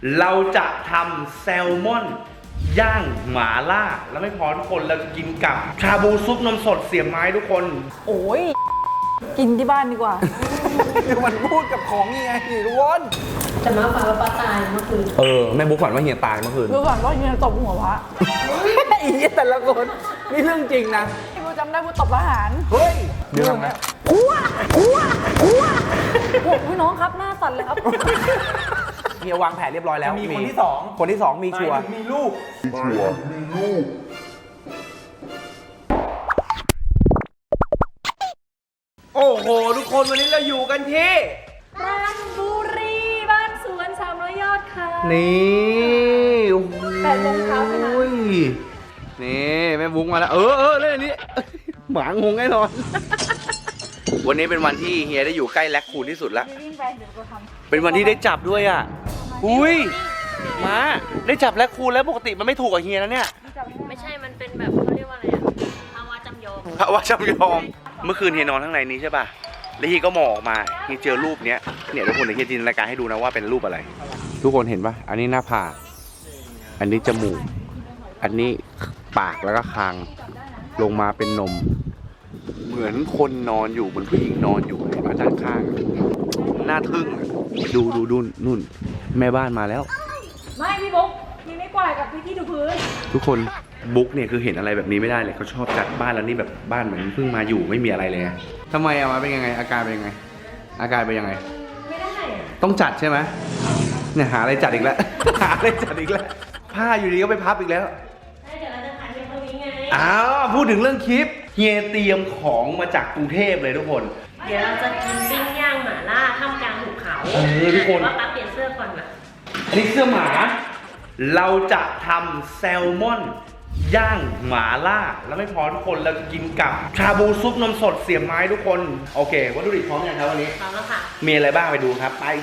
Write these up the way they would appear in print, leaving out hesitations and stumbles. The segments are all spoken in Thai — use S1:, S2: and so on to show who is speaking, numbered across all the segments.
S1: เราจะทำแซลมอนย่างหมาล่าแล้วไม่พอทุกคนเราจะกินกับชาบูซุปนมสดเสียบไม้ทุกคน
S2: โอ้ยกินที่บ้านดีกว่า
S3: มันพูดกับของยังไงทุกคน
S4: แต่มาฝันว่าป้าตายเมื่อคืน
S3: แม่บุ๊กฝันว่าเฮียตายเมื่อคืน
S2: ดูก่อนว่าเฮียตบหัวพระ
S3: อีแต่ละคนนี่เรื่องจริงนะ
S2: ที่กูจำได้กูตบทหาร
S3: เฮ้ยเดี๋ยวนะ
S2: โอ้พี่น้องครับหน้าสั่นเลยครับ
S3: เฮียวางแผนเรียบร้อยแล้ว
S5: มีคนที่สอง
S3: คนที่สองมีชัวร์
S5: มีลูก
S1: โอ้โหทุกคนวันนี้เราอยู่กันที่
S4: ราชบุรีบ้านสวน300 ยอดค่ะ
S1: นี่โอ้โห
S4: 8 โมงเช้าใช่ไหม
S1: นี่แม่บุ๊กมาแล้วเล่นอันนี้ หมางงแน่นอน วันนี้เป็นวันที่เฮียได้อยู่ใกล้แลคคูนที่สุดแล้ว
S2: วิ่งไปเดี๋ยวกูทำ
S1: เป็นวันที่ได้จับด้วยอ่ะ อุ้ยมาได้จับแลคคูนแล้วปกติมันไม่ถูกกับเฮียนะเนี่ย
S4: ไม่ใช่มันเป็นแบบเขาเรียกว่าอะไรอะภาวะจำยอม
S1: พระว่าจำยอม เมื่อคืนเฮียนอนข้างในนี้ใช่ป่ะ แล้วเฮียก็มองออกมาเฮียเจอรูปเนี้ยเนี่ยทุกคนเดี๋ยวเฮียจินตนาการให้ดูนะว่าเป็นรูปอะไร ทุกคนเห็นป่ะ อันนี้หน้าผาก อันนี้จมูก อันนี้ปากแล้วก็คาง ลงมาเป็นนม เหมือนคนนอนอยู่เหมือนผู้หญิงนอนอยู่เห็นป่ะด้านข้างหน้าทึ่งอะดูนู่นแม่บ้านมาแล้ว
S2: ไม่พี่บุ๊กมีไม่กวาดกับพี่ที่ดูพื้น
S1: ทุกคนบุ๊กเนี่ยคือเห็นอะไรแบบนี้ไม่ได้เลยเขาชอบจัดบ้านแล้วนี่แบบบ้านเหมือนเพิ่งมาอยู่ไม่มีอะไรเลยไงทำไมอะมาเป็นยังไงอาการเป็นยังไง อาการเป็นยังไง
S4: ไม่ได้อะ
S1: ต้องจัดใช่ไหมเนี่ยหาอะไรจัดอีกแล้ว หาอะไรจัดอีกแล้วผ้าอยู่ดีก็ไปพับอีกแล้ว
S4: เดี๋ยวเราจะถ่ายเพียงเท่านี้ไง
S1: อ้าวพูดถึงเรื่องคลิปเฮียเตรียมของมาจากกรุงเทพเลยทุกคน
S4: เดี๋ยวเราจะกินปิ้งย่างหม่าล่าท่ามกลางหุบเขา
S1: ทุกคน
S4: ว่าป้าเปลี่ยนเสื้อก่อนนะ
S1: อันนี้เสื้อหมา เราจะทำแซลมอนย่างหมาล่าแล้วไม่พอทุกคนเราจะกินกับชาบูซุปนมสดเสียบไม้ทุกคนโอเควัตถุดิบพร้อมยังครับวันนี้
S4: พร้อมแล้วค่ะ
S1: มีอะไรบ้างไปดูครับไป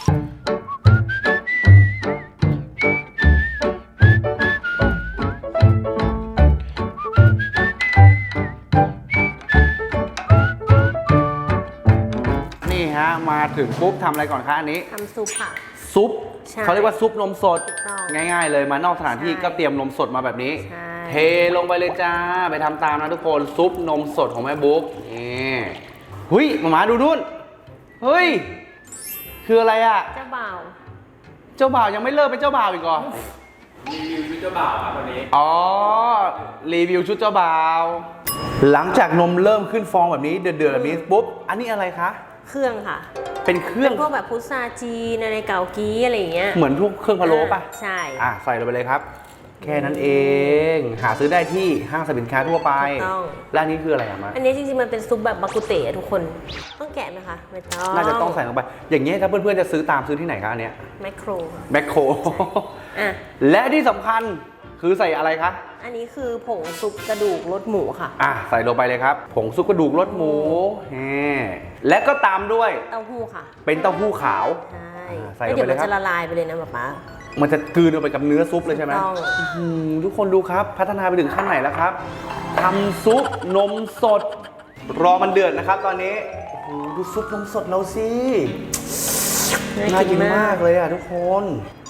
S1: นี่ฮะมาถึงปุ๊บทำอะไรก่อนคะอันนี้
S4: ทำซุปค่ะ
S1: ซุป
S4: ใช่
S1: เขาเรียกว่าซุปนมสด
S4: ถูกต้อง
S1: ง่ายๆเลยมานอกสถานที่
S4: ใช่
S1: ก็เตรียมนมสดมาแบบนี้
S4: ใช่
S1: เทลงไปเลยจ้าไปทำตามนะทุกคนซุปนมสดของแม่บุ๊กนี่หุยหมาดูนู่นเฮ้ยคืออะไรอ่ะ
S4: เจ้าบ่าว
S1: เจ้าบ่าวยังไม่เลิกเป็นเจ้าบ่าวอีกเหรอ
S5: รีวิวชุดเจ้าบ่าวครับวันนี้
S1: อ๋อรีวิวชุดเจ้าบ่าว หลังจากนมเริ่มขึ้นฟองแบบนี้เดือดๆแบบนี้ปุ๊บอันนี้อะไรคะ
S4: เครื่องค่ะ
S1: เป็นเครื่อง
S4: เป็นพวกแบบพุทราจีนอะไรเกากี้อะไรอย่างเงี้ย
S1: เหมือนพวกเครื่องพะโล้ป่ะ
S4: ใช่
S1: ใส่ลงไปเลยครับ แค่นั้นเอง หาซื้อได้ที่ห้างสรรพสินค้าทั่วไป
S4: ถูกต้อง
S1: และอันนี้คืออะไรอะมา
S4: อันนี้จริงๆมันเป็นซุปแบบบากุเตะทุกคน ต้องแกะไหมคะไม่ต้อง
S1: น่าจะต้องใส่ลงไป อย่างเงี้ยถ้าเพื่อนๆจะซื้อตามซื้อที่ไหนคะอันเนี้ย
S4: แมคโคร
S1: แมคโคร
S4: อ่ะ
S1: และที่สำคัญคือใส่อะไรคะ
S4: อันนี้คือผงซุปกระดูกรสหมูค่ะ
S1: ใส่ลงไปเลยครับ ผงซุปกระดูกรสหมูและก็ตามด้วย
S4: เต้าหู้ค่ะ
S1: เป็นเต้าหู้ขาว
S4: ใช่
S1: ใส่
S4: แล้ว
S1: ลง
S4: เดี๋ยว
S1: ไปเล
S4: มั
S1: ย
S4: น
S1: ครับ
S4: จะละลายไปเลยนะป๊า
S1: มันจะกลืนลงไปกับเนื้อซุปเลยใช่ไหม
S4: ถูกต้อง
S1: ทุกคนดูครับ พัฒนาไปถึงขั้นไหนแล้วครับทำซุปนมสด รอมันเดือดนะครับ ตอนนี้โอ้โหดูซุปนมสดเราสิน่ากินมากเลยอ่ะทุกคน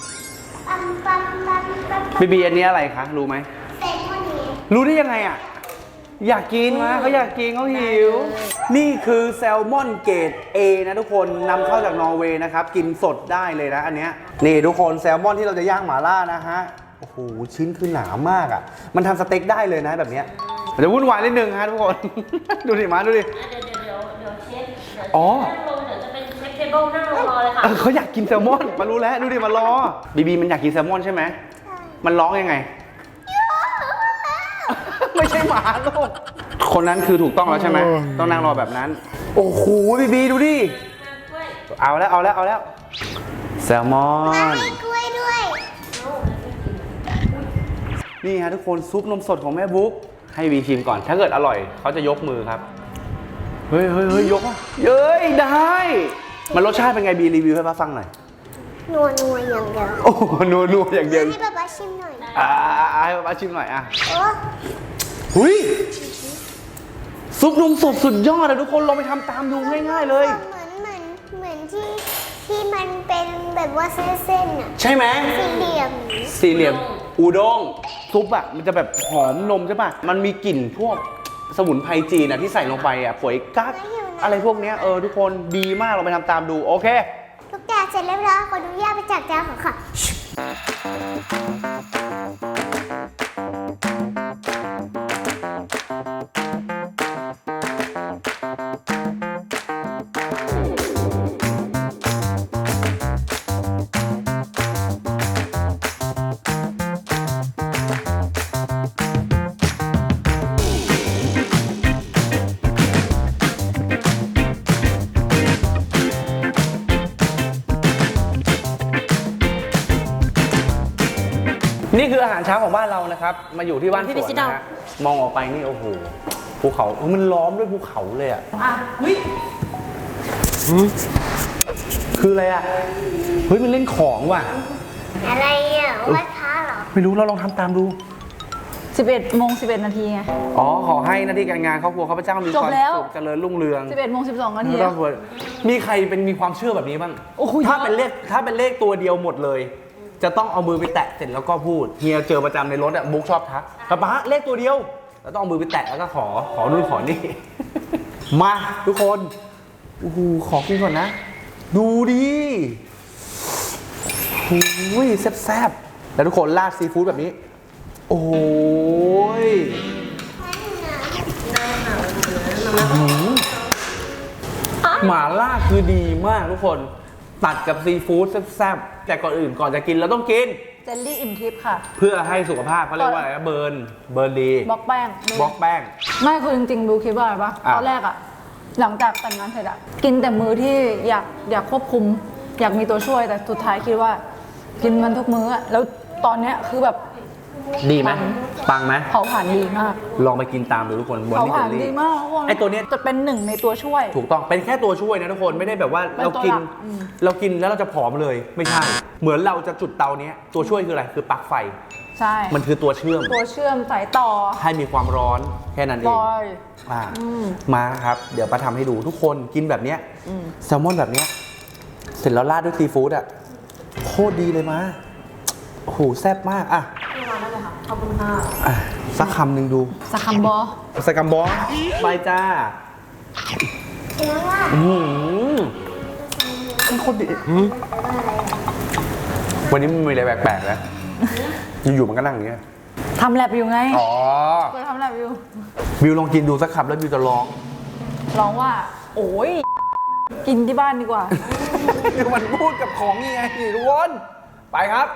S1: บีอันนี้อะไรคะรู้ไหมรู้ได้ยังไงอ่ะอยากกินมาเขาอยากกินเขาหิว นี่คือแซลมอนเกรด A นะทุกคนนำเข้าจากนอร์เวย์นะครับกินสดได้เลยนะอันเนี้ยนี่ทุกคนแซลมอนที่เราจะย่างหม่าล่านะฮะโอ้โหชิ้นคือหนามากอ่ะมันทำสเต็กได้เลยนะแบบเนี้ยมันจะวุ่นวายนิดนึงฮะทุกคน ดูดิมาดูดิ
S4: เดี๋ยวเชฟ
S1: อ๋อ
S4: นั่งลงเดี๋ยวจะเป็นเชฟเทเบิลนั่งรอเลยค่ะ
S1: เขาอยากกินแซลมอนมารู้แล้วดูดิมารอบีมันอยากกินแซลมอนใช่ไหมมันร้องยังไง ไม่ใช่หมาลูกคนนั้นคือถูกต้องแล้วใช่ไหมต้องนั่งรอแบบนั้น โอ้โหบีดูดิเอาแล้วแซลมอนนี่ฮะทุกคนซุปนมสดของแม่บุ๊กให้บีชิมก่อนถ้าเกิดอร่อยเขาจะยกมือครับเฮ้ยยกอ่ะเย้ยได้มันรสชาติเป็นไงบีรีวิวให้ป้าฟังหน่อย
S6: นัวอย่างเดียว
S1: โอ้โหนัวอย่างเดียว
S6: ให้ป๊าป๊าชิมหน่อย
S1: ให้ป้าชิมหน่อยอ่ะ
S6: โอ้
S1: หุยซุปนมสดสุดยอดเลยทุกคนลองไปทำตามดูง่ายๆเลย
S6: เหมือนที่ที่มันเป็นแบบว่าเส้นๆอ่ะ
S1: ใช่ไหม
S6: สี่เหลี่ยม
S1: สี่เหลี่ยมอูด้งซุปอะมันจะแบบหอมนมใช่ป่ะมันมีกลิ่นพวกสมุนไพรจีนอะที่ใส่ลงไปอะป่วยกั๊กอะไรพวกเนี้ยทุกคนดีมากเราไปทำตามดูโอเค
S6: ทุกอย่างเสร็จเรียบร้อยขออนุญาตไปจัดจานของค่ะ
S1: นี่คืออาหารเช้าของบ้านเรานะครับมาอยู่ที่บ้านสวนนะฮะมองออกไปนี่โอ้โหภูเขามันล้อมด้วยภูเขาเลยอะ คืออะไรอ่ะ เฮ้ยมันเล่นของว่ะ
S6: อะไรอ่ะไหว้พระเหรอ
S1: ไม่รู้เราลองทำตามดู
S4: 11 โมง 11 นาทีไง
S1: อ๋อ ขอให้หน้าที่การงานครอบครัวข้าพเจ้ามี
S4: จ
S1: ค
S4: บ
S1: วาม
S4: แล้ว
S1: สุขเจริญรุ่งเรือง
S4: 11 โมง 12 นาที
S1: ครอบครัวมีใครมีความเชื่อแบบนี้บ้าง
S4: โอ้โห
S1: ถ้าเป็นเลขตัวเดียวหมดเลย จะต้องเอามือไปแตะเสร็จแล้วก็พูดเฮียเจอประจำในรถอ่ะบุ๊กชอบทักป๊าเลขตัวเดียวแล้วต้องเอามือไปแตะแล้วก็ขอนู่นขอนี่ มาทุกคนโอ้โหขอกินก่อนนะ ดูดิโอ้ยแซ่บๆแล้วทุกคนราดซีฟู้ดแบบนี้ โอ้ยหม่าล่าคือดีมากทุกคนตัดกับซีฟู้ดแซ่บๆแต่ก่อนอื่นก่อนจะกินเราต้องกิน
S4: เจลลี่อิ่มทิพย์ค่ะ
S1: เพื่อให้สุขภาพเขาเรียกว่าอะไรนะเบิร์นดี
S4: บล็อกแป้ง
S1: บล็อกแป้ง
S4: ไม่คือจริงๆดูคิดว่าอะไรปะ
S1: อ่ะ
S4: ตอนแรกอะหลังจากแต่งงานเสร็จอะกินแต่มื้อที่อยากควบคุม อยากมีตัวช่วยแต่สุดท้ายคิดว่า กินมันทุกมื้ออะแล้วตอนเนี้ยคือแบบ
S1: ดีไหมปังไหม
S4: เผาผลาญดีมาก
S1: ลองไปกินตามดูทุกคนบน
S4: เผา
S1: นี่
S4: ผ
S1: เจ
S4: ลา
S1: ล
S4: ญ
S1: ลี่
S4: ดีมากทุกคน
S1: ไอตัวเนี้ย
S4: จะเป็นหนึ่งในตัวช่วย
S1: ถูกต้องเป็นแค่ตัวช่วยนะทุกคนไม่ได้แบบว่า
S4: เป็น
S1: เรา
S4: ตัว
S1: กิน
S4: หลักอืม
S1: เรากินแล้วเราจะผอมเลยไม่ใช่ เหมือนเราจะจุดเตาเนี้ยตัวช่วยคืออะไรคือปลั๊กไฟ
S4: ใช่
S1: มันคือตัวเชื่อม
S4: ตัวเชื่อมสายต่อ
S1: ให้มีความร้อนแค่นั้นเอง
S4: ลอย
S1: มาครับเดี๋ยวป้าทำให้ดูทุกคนกินแบบเนี้ยแซลมอนแบบเนี้ยเสร็จแล้วราดด้วยซีฟู้ดอ่ะโคตรดีเลยมาโอ้โหแซ่บมากอ่ะอ่ะสักคำหนึ่งดู
S4: สคัมบอ
S1: สกัมบอสไปจ้า
S6: แล้วว่า
S1: มันโคตรดีวันนี้มันมีอะไรแปลกๆนะอยู่ๆมันก็นั่งอย่างเงี้ย
S4: ทำแลบอยู่ไง
S1: อ๋อ
S4: เคยทำแลบอยู่
S1: บิวลองกินดูสักคำแล้วบิวจะร้อง
S4: ร้องว่า โอ้ยกินที่บ้านดีกว่า
S1: คือมันพูดกับของนี่ไงนี่ทุกคนไปครับ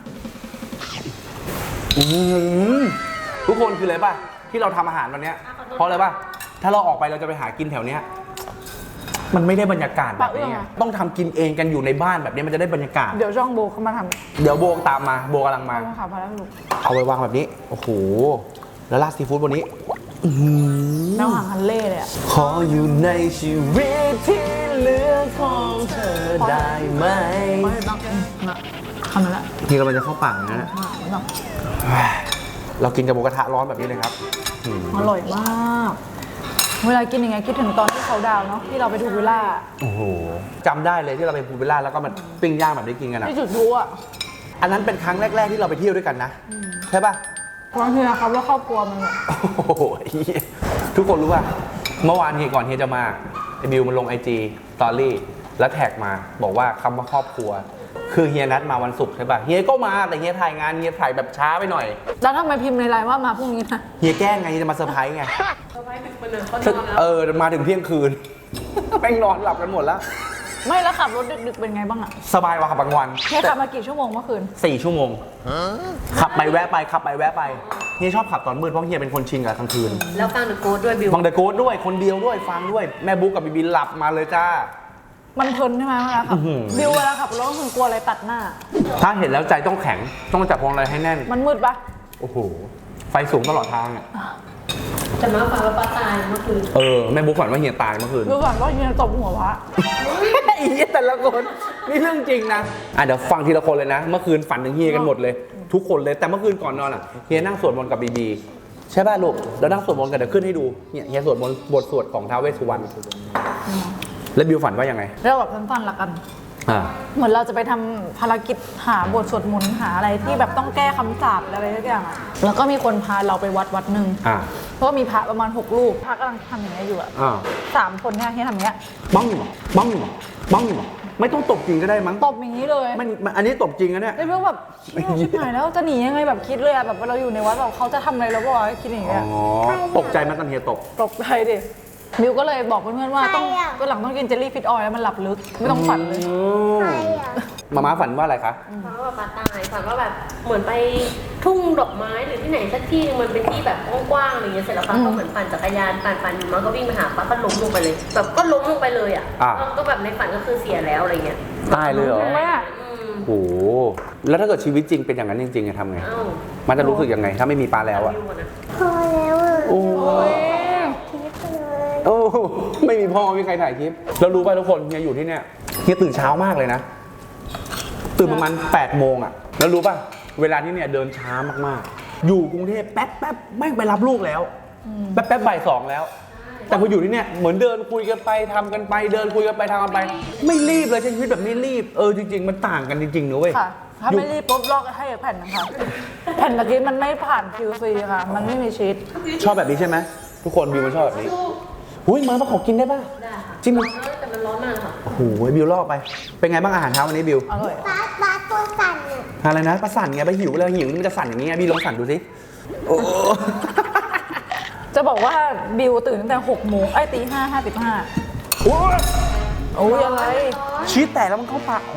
S1: ทุกคนคืออะไรป่ะที่เราทำอาหารวันเนี้ยเพราะอะไรป่ะถ้าเราออกไปเราจะไปหากินแถวเนี้ยมันไม่ได้บรรยากาศแบบนี้ไงต้องทำกินเองกันอยู่ในบ้านแบบนี้มันจะได้บรรยากาศ
S4: เดี๋ยวช่องโบเขามาท
S1: เดี๋ยวโบตามมาโบกำลัง
S4: ำ
S1: มา
S4: ต้องขับพาแล้วลูก
S1: เอาไว้วางแบบนี้โอ้โหแล้วราดซีฟู้ดบนนี้อื้อหือ
S4: น้ำหางฮันเล่เลยอะ
S1: ขออยู่ในชีวิตที่เหลือของเธอได้ไหม
S4: ไม่ต้องนะทำนั่นแหละ
S1: นี่เราจะเข้าปากนะ
S4: ไม่ต้อง
S1: เรากินกับหมูกระทะร้อนแบบนี้เลยครับ
S4: อร่อยมาก เวลากินยังไงคิดถึงตอนที่เขาดาวน์เนาะที่เราไปดูวิลล่า
S1: โอ้โหจำได้เลยที่เราไปพูลวิลล่าแล้วก็มันปิ้งย่างแบบนี้กินกันอะ
S4: ที่จุดพลุอะ
S1: อันนั้นเป็นครั้งแรก ๆที่เราไปเที่ยวด้วยกันนะใช่ป่ะ
S4: บางทีนะครับว่าครอบครัวมันแบบ
S1: โอ้โหเหี้ยทุกคนรู้ป่ะเมื่อวานเฮียก่อนเฮียจะมาไอ้บิวมันลง IG สตอรี่แล้วแท็กมาบอกว่าคำว่าครอบครัว คือเฮียนัดมาวันศุกร์ใช่ป่ะเฮียก็มาแต่เฮียถ่ายงานเฮียถ่ายแบบช้าไปหน่อย
S4: แล้วทำไมพิมพ์ในไลน์ว่ามาพรุ่งนี้นะ
S1: เฮียแกล้งไงเฮียจะมาเซอร์ไพรส์ไงมาถึงเที่ยงคืน แม่งนอนหลับกันหมดแล้ว
S4: ไม่แล้วขับรถดึกๆเป็นไงบ้างอะ
S1: สบายกว่าขับบางวัน
S4: เฮียขับมากี่ชั่วโมงเมื่อคืน
S1: 4 ชั่วโมงขับไปแวะไปขับไปแวะไปเฮียชอบขับตอนมืดเพราะเฮียเป็นคนชินกับกลางคืน
S2: แล้วฟังเดอะโกดด้วยบิว
S1: ฟังเดอะโกดด้วยคนเดียวด้วยฟังด้วยแม่บุ๊กกับบีบีหลับมาเลยจ้า
S4: มันเพลินใช่ไหมเวลาขับ
S1: อื้อหือ
S4: บิวเวลาขับรถก็คือกลัวอะไรตัดหน้า
S1: ถ้าเห็นแล้วใจต้องแข็งต้องจับพวงมาลัยให้แน่น
S4: มันมืดปะ
S1: โอ้โหไฟสูงตลอดทางอ่ะ
S2: แต่มาฟังแล้วป้าตายเมื่อคืน
S1: แม่บุ๊กฝันว่าเฮียตายเมื่อคืน
S4: ดูก่อนว่าเฮียตบหัวพระ
S1: อีแต่ละคนนี่เรื่องจริงนะเดี๋ยวฟังทีละคนเลยนะ เมื่อคืนฝันถึงเฮียกันหมดเลย ทุกคนเลยแต่เมื่อคืนก่อนนอนอ่ะเฮียนั่งสวดมนต์กับบีบีใช่ป่ะลูกแล้วนั่งสวดมนต์กันเดี๋ยวขึ้นให้ดูเนี่ยเฮียสวดมนต์บทสวดของท้าวเวสสุวรรณแล้วบิวฝันว่ายังไง
S4: เรียกแบบสั้นๆละกันเหมือนเราจะไปทำภารกิจหาบทสวดมนต์หาอะไรที่แบบต้องแก้คำสาปอะไรทุกอย่างอะแล้วก็มีคนพาเราไปวัดหนึ่งเพราะว่ามีพระประมาณ6 รูปพระกำลังทำอย่างนี้ยอยู่อะ3 คนเนี่ยที่ทำอย่างเงี้ย
S1: บ้องบ้องบ้องไม่ต้องตบจริงก็ได้มั้ง
S4: ตบอย่างนี้เลย
S1: อันนี้ตบจริงนะเนี่ย
S4: ไอ้เรื่องแบบชิบหายแล้วจะหนียังไงแบบคิดเลยอะแบบเราอยู่ในวัดแบบเขาจะทำอะไรเราบอกว่าคิดอย่างเงี้ย
S1: ตกใจไหมตอนเฮียตบ
S4: ตกใจดิบิวก็เลยบอกเพื่อนๆว่าต้องก็หลังต้องกินเจลลี่ฟิตออยล์แล้วมันหลับลึกไม่ต้องฝันเลย
S6: ใครอ่ะ
S1: มาม่าฝันว่าอะไรคะ
S2: ฝันว่าแบบปลาตายฝันว่าแบบเหมือนไปทุ่งดอกไม้หรือที่ไหนสักที่นึงมันเป็นที่แบบกว้างๆอะไรเงี้ยเสร็จแล้วป้าก็เหมือนปั่นจักรยานปั่นอยู่มันก็วิ่งไปหาป้าก็ล้มลงไปเลยแบบก็ล้มลงไปเลยอ่ะก็แบบในฝันก็คือเสียแล้วอะไรเงี้ย
S1: ตายเลยเหรอ
S4: แม่
S1: โอ้โหแล้วถ้าเกิดชีวิตจริงเป็นอย่างนั้นจริงๆจะทำไง
S2: อ้าว
S1: มันจะรู้สึกยังไง ถ้าไม่มีปลาแล้วอะ
S2: วิวก่อนนะ
S6: พอแล้วอ่ะ
S1: โอ้
S6: คิดเลย
S1: โอ้ไม่มีพ่อไม่มีใครถ่ายคลิปแล้วรู้ป่ะทุกคนเฮียอยู่ที่เนี่ยเฮียตื่นเช้ามากเลยนะ ตื่นประมาณ8 โมงอะแล้วรู้ป่ะเวลาที่เนี่ยเดินช้ามากๆอยู่กรุงเทพแป๊บแม่งไปรับลูกแล้วแป๊บบ่าย 2แล้ว แต่พออยู่ที่เนี่ยเหมือนเดินคุยกันไปทำกันไปเดินคุยกันไปทำกันไป ไม่รีบเลยใช้ชีวิตแบบไม่รีบจริงๆมันต่างกันจริงๆนะเว้ย
S4: ค่ะถ้าไม่รีบปุ๊บลอกให้แผ่นนะคะแผ่นตะกี้มันไม่ผ่าน QC ค่ะมันไม่มีชีส
S1: ชอบแบบนี้ใช่ไหมทุกคนบิวมันชอบแบบนี้หุ้ยมาขอกินได้ป่ะ
S2: ได้ค่ะ
S1: จริงมั้ย
S2: แต่มันร้อนมากเลยค่ะ
S1: โอ้โหบิวลอกไปเป็นไงบ้างอาหารเช้าวันนี้บิว
S4: อร่อย
S6: บาสตัวสั่นอ่ะ
S1: อะไรนะประสั่นไงไปหิวแล้วหิวมันจะสั่นอย่างนี้ไงบิวลองสั่นดูสิโอ้
S4: จะบอกว่าบิวตื่นตั้งแต่6 โมงตี 5:55
S1: โอ้ย
S4: โอ้ยอะไร
S1: ชีสแตกแล้วมันเข้าปาก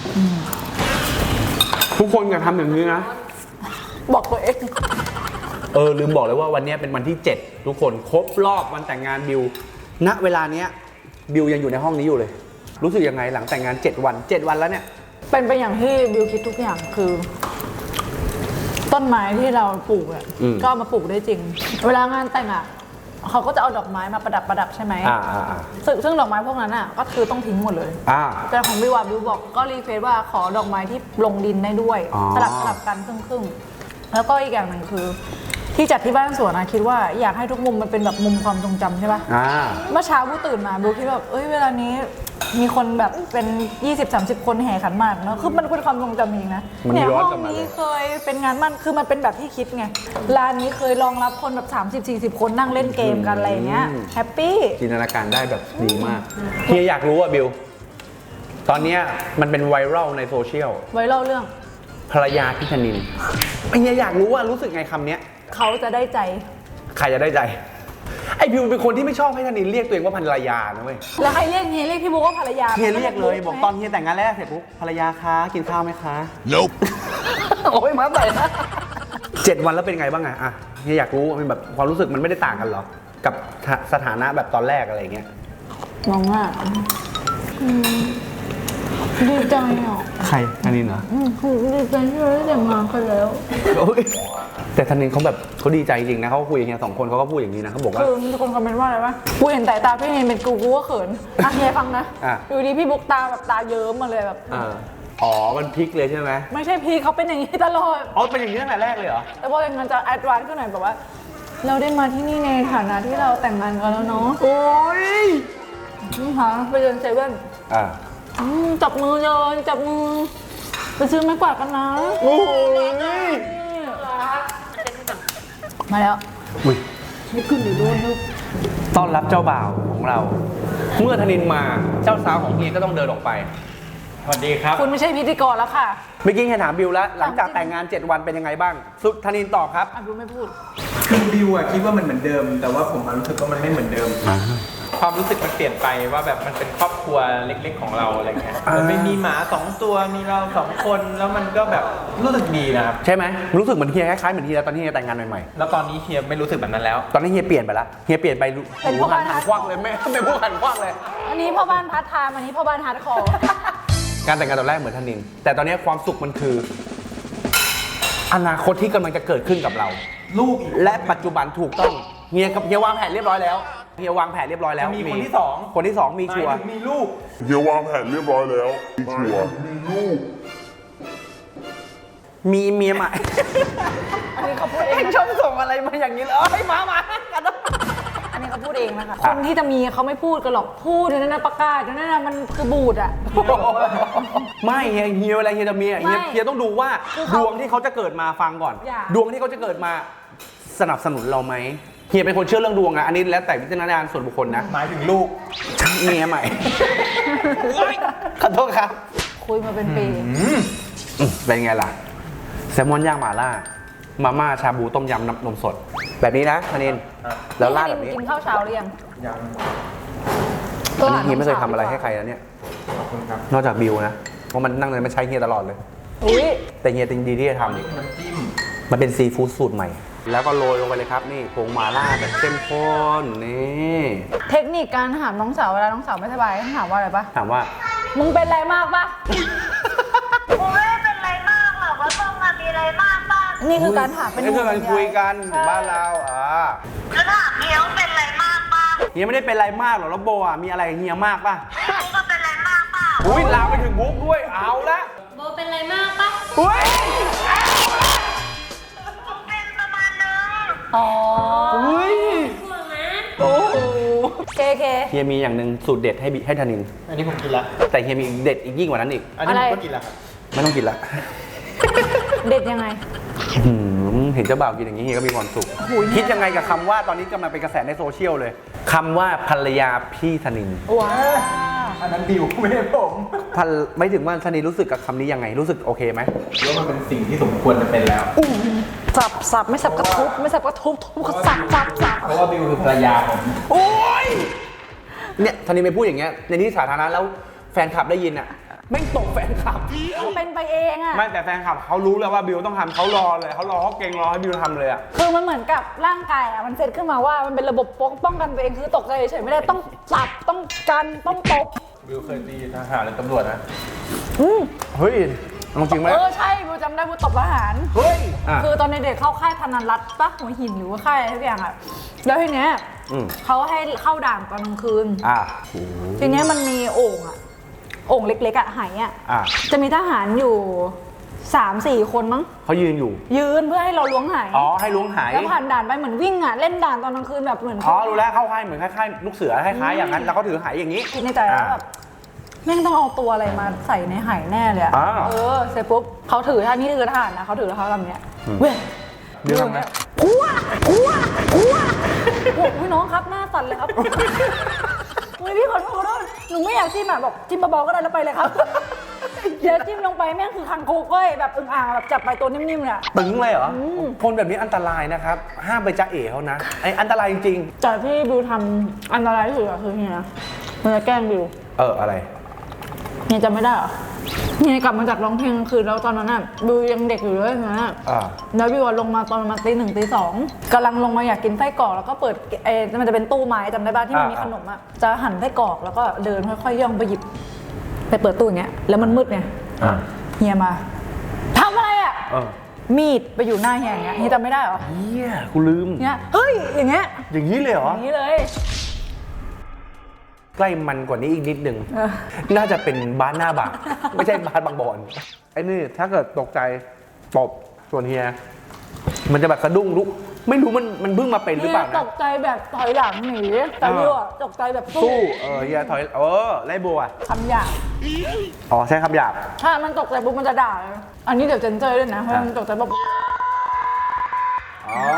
S1: ทุกคนอย่าทำอย่างนี้นะ
S4: บอกตัวเอง
S1: ลืมบอกเลยว่าวันนี้เป็นวันที่ 7 ทุกคนครบรอบวันแต่งงานบิวณเวลาเนี้ยบิวยังอยู่ในห้องนี้อยู่เลย รู้สึกยังไงหลังแต่งงาน7 วันแล้วเนี่ย
S4: เป็นไปอย่างที่บิวคิดทุกอย่างคือ ต้นไม้ที่เราปลูกเนี่ยก็เอามาปลูกได้จริง เวลางานแต่งอ่ะเขาก็จะเอาดอกไม้มาประดับใช่ไหมซึ่งดอกไม้พวกนั้นอ่ะก็คือต้องทิ้งหมดเลยแต่ของบิวบิวบอกก็รีเควสว่าขอดอกไม้ที่ลงดินได้ด้วยสลับกันครึ่งแล้วก็อีกอย่างหนึ่งคือ ที่จัดที่บ้านสวนนะคิดว่าอยากให้ทุกมุมมันเป็นแบบมุมความทรงจำใช่ปะเมื่อเช้าบิวตื่นมาบิวคิดแบบเวลานี้มีคนแบบเป็น 20-30 คนแห่ขันหมากเนาะคือมันเป็นความทรงจำจริงนะเนี่ยห้องนี้เคยเป็นงานมั่นคือมันเป็นแบบที่คิดไงร้านนี้เคยรองรับคนแบบ30-40 คนนั่งเล่นเกมกันอะไรเงี้ยแฮปปี้
S1: จินตนาการได้แบบดีมากเฮียอยากรู้อ่ะบิวตอนนี้มันเป็นไวรัลในโซเชียล
S4: ไวรัลเรื่อง
S1: ภรรยาพี่ธนินเฮียอยากรู้ว่ารู้สึกไงคำเนี้ย
S4: เขาจะได้ใจ
S1: ใครจะได้ใจไอบิวเป็นคนที่ไม่ชอบให้ธนินเรียกตัวเองว่าภรรยานะเว้ย
S4: แล้วใครเรียกพี่บุ๊กว่าภรรยา
S1: เฮียเรียกเลยบอกตอนเฮียแต่งงานแรกเสร็จปุ๊บภรรยาคะกินข้าวไหมคะ Nope โอ้ยมาใส่นะ7 วันแล้วเป็นไงบ้างอะเฮียอยากรู้มันแบบความรู้สึกมันไม่ได้ต่างกันหรอกับสถานะแบบตอนแรกอะไรเงี้ย
S4: มองว่าดีใจอ่ะ
S1: ใครธนินเหรอ
S4: ดีใจที่เราได้แต่งงานกันแล้ว
S1: แต่ธนินเขาแบบเขาดีใจจริงนะเขาคุยกับเฮีย2 คนเขาก็พูดอย่างนี้นะเขาบอกว่า
S4: มีคนคอมเมนต์ว่าอะไรวะกูเห็นสายตาพี่เนยเป็นกูก็เขินเฮียฟังนะอยู่ดีพี่บุ๊กตาแบบตาเยิ้มมาเลยแบบ
S1: มันพลิกเลยใช่ไหม
S4: ไม่ใช่พี่เขาเป็นอย่างนี้ตลอด
S1: เป็นอย่างนี้ตั้งแต่แรกเลยเหรอ
S4: แต่พอแต่งงานจะแอดวานซ์ขึ้นหน่อยแบบว่าเราได้มาที่นี่ในฐานะที่เราแต่งงานกันแล้วเนาะ
S1: โอ้ย
S4: นี่ค่ะไปเดินเซเว่นจับมือเดินจับมือไปซื้อไม้กวาดกันนะ
S1: โอ้ย
S4: มาแล้ว
S1: ไม่ขึ้นอยู่ด้วยต้อนรับเจ้าบ่าวของเราเมื่อธนินมาเจ้าสาวของเฮียก็ต้องเดินออกไป
S5: สวัสดีครับ
S4: คุณไม่ใช่พิธีกรแล้วค่ะ
S1: เมื่อกี้เฮียถามบิวแล้วหลังจากแต่งงาน7 วันเป็นยังไงบ้างสุดธนินตอบครับ
S4: บิวไม่พูด
S5: คือบิวคิดว่ามันเหมือนเดิมแต่ว่าผมรู้สึกว่ามันไม่เหมือนเดิมความรู้สึกมันเปลี่ยนไปว่าแบบมันเป็นครอบครัวเล็กๆของเราอะไรเงี้ยมันไม่มีหมา2 ตัวมีเรา2 คนแล้วมันก็แบบรู้สึกดีนะครับ
S1: ใช่ไหมรู้สึกเหมือนเฮียคล้ายๆเหมือนเฮียตอนที่เฮียแต่งงานใหม่
S5: ๆแล้วตอนนี้เฮียไม่รู้สึกแบบนั้นแล้ว
S1: ตอนนี้เฮียเปลี่ยนไปละเฮียเปลี่ยนไป
S4: เป็นพ่อบ้าน
S1: หันควักเลยไม่เป็นผู้หันควักเลย
S4: อันนี้พ่อบ้านพาร์ทไทม์อันนี้พ่อบ้านฮาร์ดคอร์
S1: การแต่งงานตอนแรกเหมือนธนินแต่ตอนนี้ความสุขมันคืออนาคตที่กำลังจะเกิดขึ้นกับเรา
S5: ลูก
S1: และปัจจุบันถูกต้องเฮียวางแผนเรียบร้อยแล้วเฮียวางแผนเรียบร้อยแล้ว
S5: มีคนที่2
S1: มีชัวร์
S5: มีลูก
S7: เฮียวางแผนเรียบร้อยแล้วมีชัวร์มีลูก
S1: มีเมียใหม่
S4: อันนี้เขาพูดเอง
S1: ชอบส่งอะไรมาอย่างนี้เลยมากัน
S4: อันนี้เนี่ยเขาพูดเองนะคะคนที่จะมีเขาไม่พูดกันหรอกพูดอยู่นั่นนะประกาศอยู่นั่นนะมันคือบูดอ่ะ
S3: ไม่เฮียเวลาเฮียจะมีอะเฮียต้องดูว่า
S4: คือ
S3: ด
S4: เขา
S3: วงที่เขาจะเกิดมาฟังก่อน
S4: อย่า
S3: ดวงที่เขาจะเกิดมาสนับสนุนเราไหมเฮียเป็นคนเชื่อเรื่องดวงอะอันนี้แล้วแต่วิจารณญาณส่วนบุคคลนะ
S5: หมายถึงลูก
S3: เมียใหม่ ขอโทษครับ
S4: คุยมาเป็นปี
S3: เป็นไงล่ะแซลมอนย่างหม่าล่ามาม่าชาบูต้มยำน้ำนมสด แบบนี้นะธนินแล้วราดแบบนี้
S4: กินข้าวเช้าหรือยัง
S5: ยัง
S3: อันนี้เฮียไม่เคยทำอะไรให้ใครแล้วเนี่ย
S5: ขอบคุณครับ
S3: นอกจากบิวนะเพราะมันนั่งเลยมันใช้เฮียตลอดเลย
S4: อุ้ย
S3: แต่เฮียจริงดีที่จะทำ
S5: น้ำจิ้ม
S3: มันเป็นซีฟู้ดสูตรใหม่ แล้วก็โรยลงไปเลยครับนี่ผงหม่าล่าแบบเข้มข้นนี่
S4: เทคนิคการถามน้องสาวเวลาน้องสาวไม่สบายต้องถามว่าอะไรปะ
S3: ถามว่า
S4: มึงเป็นอะไรมากปะ
S6: กูไม่ได้เป็นไรมากหรอกว่าต้องมามีอะไรมากบ้าง
S4: นี่คือการถามเป็น
S3: นี่คือการคุยกัน
S4: ใช่
S3: บ้านเรา
S6: แล้วถามเฮียว่าเป็นไรมากบ้าง
S3: เฮียไม่ได้เป็นอะไรมากหรอกแล้วโบมีอะไรกับเฮียมากป่ะ
S6: กูก็เป็นไรมากเปล่า
S3: อุ้ยลามไปถึงบุ๊กด้วยเอาละ
S2: โบเป็นอะไรมากปะ
S3: อุ้ย
S6: กูเป็นประมาณนึง
S4: อ๋อ
S3: อุ้ย
S2: ห่วงนะ
S3: โอ้โห
S4: เคเค
S3: เฮียมีอย่างหนึ่งสูตรเด็ดให้ธนิน
S5: อันนี้ผมกินละ
S3: แต่เฮียมีเด็ดอีกยิ่งกว่านั้นอีก
S5: อันนี้ผมก็กินละครับ
S3: ไม่ต้องกินละ
S4: เด็ดยังไง
S3: เห็นเจ้าบ่าวกินอย่างนี้เฮียก็มีความสุขคิดยังไงกับคำว่าตอนนี้กำลังเป็นกระแสในโซเชียลเลยคำว่าภรรยาพี่ธนิน
S4: ว้าว
S5: อันนั้นบิวไม่ใช่ผม
S3: ไม่ถึงว่าธนินรู้สึกกับคำนี้ยังไงรู้สึกโอเคไหม
S5: ว่ามันเป็นสิ่งที่สมควรจะเป็นแล้ว
S4: สับไม่สับก็ทุบไม่สับก็ทุบก็สับ
S5: เพราะว่าบิวคือภรรยาผม
S3: โอ้ยเนี่ยธนินไปพูดอย่างเงี้ยในที่สาธารณะแล้วแฟนคลับได้ยินอ่ะไม่งตกแฟนคลับ
S4: เป็นไปเองอ่ะ
S3: ไม่แต่แฟนคลับเขารู้แล้วว่าบิวต้องทำเขารอเลยเขาเก่งรอให้บิวทำเลยอ่ะ
S4: คือมันเหมือนกับร่างกายอ่ะมันเซตขึ้นมาว่ามันเป็นระบบป้องกันตัวเองคือตกใจเฉยๆไม่ได้ต้องสับต้องกันต้องตบ
S5: บิวเคยตีทหารหรือตำรวจนะ
S3: เฮ้ยเอาจริงไหม
S4: ใช่บูจำได้บูตบทหาร
S3: เฮ้ยอ่ะ
S4: คือตอนเด็กๆเข้าค่ายธนันรัตน์ปะหัวหินหรือว่าค่ายอะไรทุกอย่างอ่ะแล้วทีเนี้ย เขาให้เข้าด่านตอนกลางคืน ทีเนี้ยมันมีโอ่งเล็กๆอ่ะไหอ่ะ จะมีทหารอยู่ 3-4 คนมั้ง
S3: เขายืนอยู่
S4: ยืนเพื่อให้เราล้วงไห
S3: อ๋อให้ล้วงหาย
S4: แล้วผ่านด่านไปเหมือนวิ่งอ่ะเล่นด่านตอนกลางคืนแบบเหมือน
S3: อ๋อรู้แล้วเข้าค่ายเหมือนคล้ายๆลูกเสือคล้ายๆอย่างนั้นแล้วเขาถือหายอย่างนี้
S4: คิดในใจแล้วแบบแม่งต้องเอาตัวอะไรมาใส่ในไหแน่เลยอะ
S3: อ่า
S4: เสร็จปุ๊บเขาถือท่านี่คือทหารนะเขาถือเขาทำเนี้ยเว้ย
S3: เรื่องนะ
S4: พัวอุ้ยน้องครับหน้าสั่นเลยครับอุ้ยพี่ขอโทษด้วยหนูไม่อยากจิ้มอ่ะบอกจิ้มเบาๆก็ได้แล้วไปเลยครับเดี๋ยวจิ้มลงไปแม่งคือคังโคกเว้ยแบบอึ่งอ่างแบบจับไปตัวนิ่มๆเนี่ย
S3: ตึงเลยเหรอคนแบบนี้อันตรายนะครับห้ามไปจ้าเอ๋เขานะไออันตรายจริง
S4: แต่ที่บิวทำอันตรายที่สุดอะคือเฮียมันจะแกล้งบิว
S3: อะไร
S4: เฮียจำไม่ได้เหรอเฮียกลับมาจากร้องเพลงกลางคืนแล้วตอนนั้นน่ะบิวยังเด็กอยู่เลยนะ แล้วบิวลงมาตอนประมาณตี 1 ตี 2กำลังลงมาอยากกินไส้กรอกแล้วก็เปิดมันจะเป็นตู้ไม้จำได้ป่ะที่มันมีขนมอ่ะจะหั่นไส้กรอกแล้วก็เดินค่อยๆย่องไปหยิบไปเปิดตู้อย่างเงี้ยแล้วมันมืดไงเฮียมาทำอะไรอ่ะมีดไปอยู่หน้าเฮียอย่างเงี้ยเฮียจำไม่ได้เหรอ
S3: เฮียกูลืม
S4: เนี้ยเฮ้ยอย่างเงี้ย
S3: อย่างนี้เลยเหรอ
S4: อย่างนี้เลย
S3: ใกล้มันกว่านี้อีกนิดนึงน่าจะเป็นบ้านหน้าบางไม่ใช่บ้านบางบอนไอ้นี่ถ้าเกิดตกใจตบส่วนเฮียมันจะแบบสะดุ้งลุกไม่รู้มันเพิ่งมาเป็นหรือเปล่า
S4: ต
S3: นะ
S4: กใจแบบถอยหลังหนีแต่บิวอะตกใจแบบสู้
S3: สู้เฮียถอยไล่โบอ่ะ
S4: คำหยาบ
S3: อ๋อใช้คำหยาบ
S4: ถ้ามันตกใจปุ๊บมันจะด่าเลยอันนี้เดี๋ยวเจนเจอด้วยนะเพราะมันตกใจแบบ
S3: อ๋อ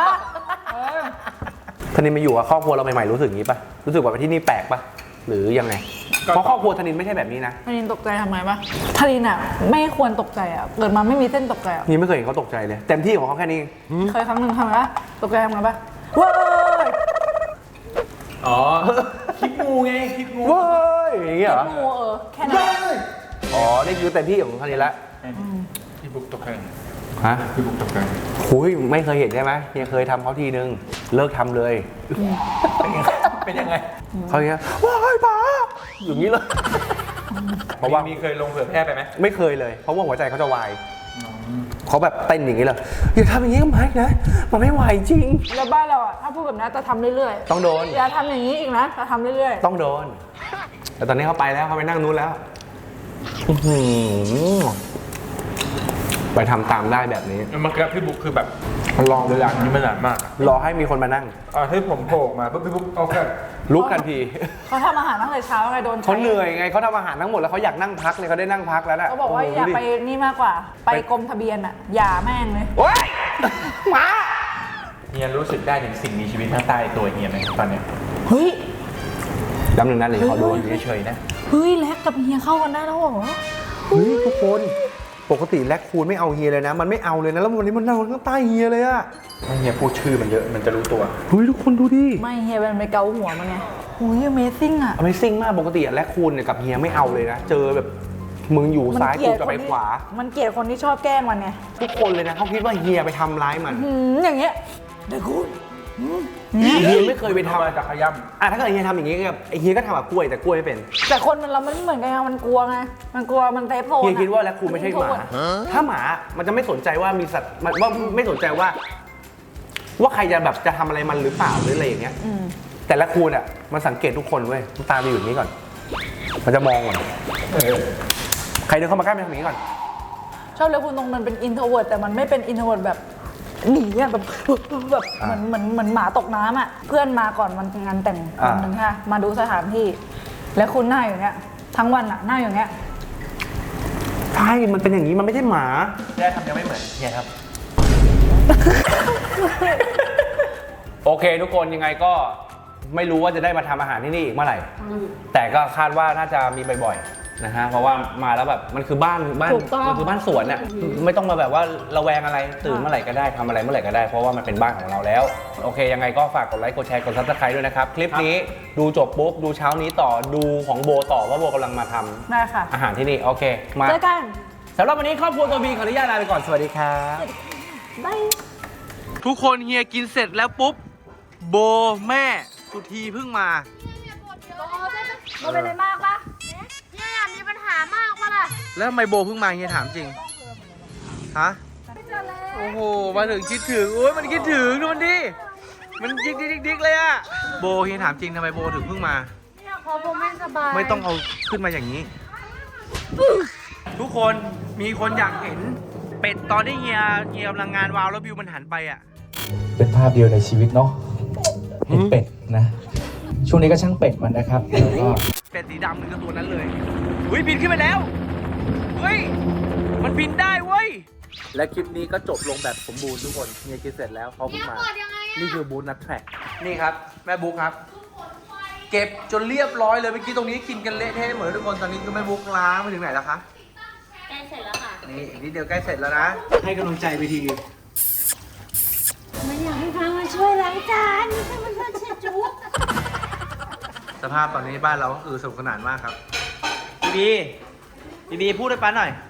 S3: ธนินมาอยู่กับครอบครัวเราใหม่ๆรู้สึกอย่างนี้ปะรู้สึกว่าที่นี่แปลกปะหรือยังไงเพราะครอบครัวธนินไม่ใช่แบบนี้นะ
S4: ทารินตกใจทำไมปะทารินอ่ะไม่ควรตกใจอ่ะเกิดมาไม่มีเส้นตกใจอ่ะ
S3: นี่ไม่เคยเห็นเขาตกใจเลยเต็มที่ของเขาแค่นี้
S4: เคยครั้งหนึ่งทำไงปะตกใจทำไงปะเว้ย
S5: อ๋อ คลิปงูไง คลิปงู
S3: เว้ยอย่างเงี้ยเหรอ
S4: งูแค่นั้น
S3: อ๋อนี่คือเต็มที่ของธนินละ
S5: พี่บุ๊กตกใจ
S3: ฮะ
S5: พี่บุ๊กตกใจ
S3: หุยไม่เคยเห็นใช่ไหมเฮียเคยทำเขาทีนึงเลิกทำเลย
S5: เป็นยังไง
S3: เขาอย่างเงี้ยว้ายป๋าอย่างนี้เลยเพราะว่า
S5: มีเคยลงเผยแพร่ไปไหม
S3: ไม่เคยเลย เพราะว่าหัวใจเขาจะวายเขาแบบเต้นอย่างนี้เลยอย่าทำอย่างนี้กับไม้นะมันไม่ไหวจริง
S4: แล้วบ้านเราอ่ะถ้าพูดแบบนั้นจะทำเรื่อย
S3: ต้องโดน
S4: ๆอย่าทำอย่างนี้อีกนะจะทำเรื่อย
S3: ต้องโดน แต่ตอนนี้เขาไปแล้วเขาไปนั่งนู้นแล้วอื้อหือไปทำตามได้แบบนี้
S5: เมื่อกี้พี่บุ๊กคือแบบ
S3: ลอง
S5: เวลานี้มันนานมากอะ
S3: รอให้มีคนมานั่ง
S5: ให้ผมโผล่ออกมาปุ๊บพี่บุ๊กเอาแค่
S3: ลุกทันที
S4: เขาทำอาหารตั้งแต่เช้าไงโดนใช้
S3: เขาเหนื่อยไงเขาทำอาหารทั้งหมดแล้วเขาอยากนั่งพักเลยเขาได้นั่งพักแล้วนะ
S4: เขาบอกว่า
S3: โโห
S4: อย่า
S3: ดูดิ
S4: ไปนี่มากกว่า ไปกรมทะเบียนอ่ะ อย่าแม่งเลย
S3: โอ๊ยหมา
S5: เฮียรู้สึกได้ถึงสิ่งมีชีวิตข้างใต้ตัวเฮียไหมตอนเนี้ย
S4: เฮ้ย
S3: จำหนึ่งนะเลยเขาดู
S5: เฉยๆนะ
S4: เฮ้ยแลกกับเฮียเข้ากันได้แล้วเหรอ
S3: เฮ้ยทุกคนปกติแลคคูนไม่เอาเฮียเลยนะ มันไม่เอาเลยนะแล้ววันนี้มันนั่งข้างใต้เฮียเลยอะ
S5: ไม่เฮียพูดชื่อมันเยอะมันจะรู้ตัว
S3: เฮ้ยทุกคนดูดิ
S4: ไม่เฮียเป็นไปเกาหัวมันไงโอ้ย Amazing อ่ะ
S3: Amazing มากปกติอะแลคคูนเนี่ยกับเฮียไม่เอาเลยนะ เจอแบบมึงอยู่ซ้ายกูจะไปขวา
S4: มันเกลียดคนที่ชอบแกล้งมันไง
S3: ทุกคนเลยนะเขาคิดว่าเฮียไปทำร้ายมัน
S4: อย่างเงี้ยเดี๋ยวคุณ
S3: เฮียไม่เคยไปทำ
S5: มาจากขย่
S3: อ่ะถ้าเกิดเฮียทำอย่างนี้กับไอ้เฮียก็ทำแบบกล้วยแต่กล้วยไม่เป็น
S4: แต่คนเรามันไม่เหมือนกันไงมันกลัวไง มันกลัวมันเซฟโซน
S3: เฮีย
S4: อะ
S3: คิดว่าแลคคูนไม่ใช่หมา ถ้าหมามันจะไม่สนใจว่ามีสัตว์มันว่าไม่สนใจว่าใครจะแบบจะทำอะไรมันหรือเปล่าหรืออะไรอย่างเงี้ย แต่แลคคูนอ่ะมันสังเกตทุกคนเว้ยมันตาจะอยู่อย่างนี้ก่อน มันจะมองก่อนใครเดินเข้ามาใกล้มันทำอย่างนี้ก่อน
S4: ชอบเลยคุณตรงมันเป็นอินโทรเวิร์ดแต่มันไม่เป็นอินโทรเวิร์ดแบบหนีอะแบบเหมือนหมาตกน้ำอ่ะเพื่อนมาก่อนวันงานแต่งวันหนึ่งค่ะมาดูสถานที่ แล้วคุณหน้าอย่างเงี้ยทั้งวันอ่ะหน้าอย่างเงี้ย
S3: ใช่ มันเป็นอย่างนี้ มันไม่ใช่หมา
S5: ำแค่คำเดียวไม่เหมือนเฮียครับ
S3: โอเค ทุกคนยังไงก็ไม่รู้ว่าจะได้มาทำอาหารที่นี่อีกเมื่อไหร่ แต่ก็คาดว่าน่าจะมีบ่อยๆนะฮะ เพราะว่ามาแล้วแบบมันคือบ้านมันคือบ้านสวนอ่ะ ไม่ต้องมาแบบว่าระแวงอะไร ตื่นเมื่อไหร่ก็ได้ทำอะไรเมื่อไหร่ก็ได้ เพราะว่ามันเป็นบ้านของเราแล้ว โอเค ยังไงก็ฝากกดไลค์ กดแชร์ กดซับสไครต์ด้วยนะครับ คลิปนี้ดูจบปุ๊บ ดูเช้านี้ต่อ ดูของโบต่อว่าโบกำลังมาทำ
S4: ได้ค่ะ
S3: อาหารที่นี่ โอเค มา
S4: เจอกัน
S3: สำหรับวันนี้ครอบครัวตัวบีขออนุญาตลาไปก่อน สวัสดีครับ
S4: บาย
S1: ทุกคนเฮียกินเสร็จแล้วปุ๊บ โบแม่สุธีเพิ่งมา
S4: มันเป็นอะไรมากปะ
S2: เนี่ยมีปัญหามากปะล่ะ
S1: แล้วทำไมโบเพิ่งมาเฮียถามจริง ฮะ โอ้โห มาถึงคิดถึง โอ้ยมันคิดถึงดูมันดิ มันดิ๊กเลยอะโบเฮียถามจริงทำไมโบถึงเพิ่งมา
S2: เพราะผมไม่สบาย
S1: ไม่ต้องเอาขึ้นมาอย่างนี้ ทุกคนมีคนอยากเห็น เป็ดตอนที่เฮียกำลังงานวาวแล้ววิวมันหันไปอะ
S8: เป็นภาพเดียวในชีวิตเนาะเห็นเป็ดนะ ช่วงนี้ก็ช่างเป็ดมันนะครับแล้วก็
S1: เป็ดสีดำคือตัวนั้นเลยเฮ้ยบินขึ้นไปแล้วเฮ้ยมันบินได้เว้ยและคลิปนี้ก็จบลงแบบสมบูรณ์ทุกคนเฮียคิดเสร็จแล้วเขาเพิ่งมานี่คือบูธนัทแทร็กนี่ครับแม่บุ๊กครับ เก็บจนเรียบร้อยเลยเมื่อกี้ตรงนี้กินกันเละเทะหมดเลยทุกคนตอนนี้ก็แม่บุ๊กล้างไปถึงไหนแล้วคะ
S2: ใกล้เสร็จแล้วค่ะ
S1: นี่อีกนิดเดียวใกล้เสร็จแล้วนะให้กำลังใจไปที
S2: มันอยากให้พามาช่วยล้างจานไม่ใช่มาช่วยเช็ดจุ๊บ
S1: สภาพตอนนี้บ้านเราก็คือสนุกสนานมากครับดีพูดให้ป้าหน่อย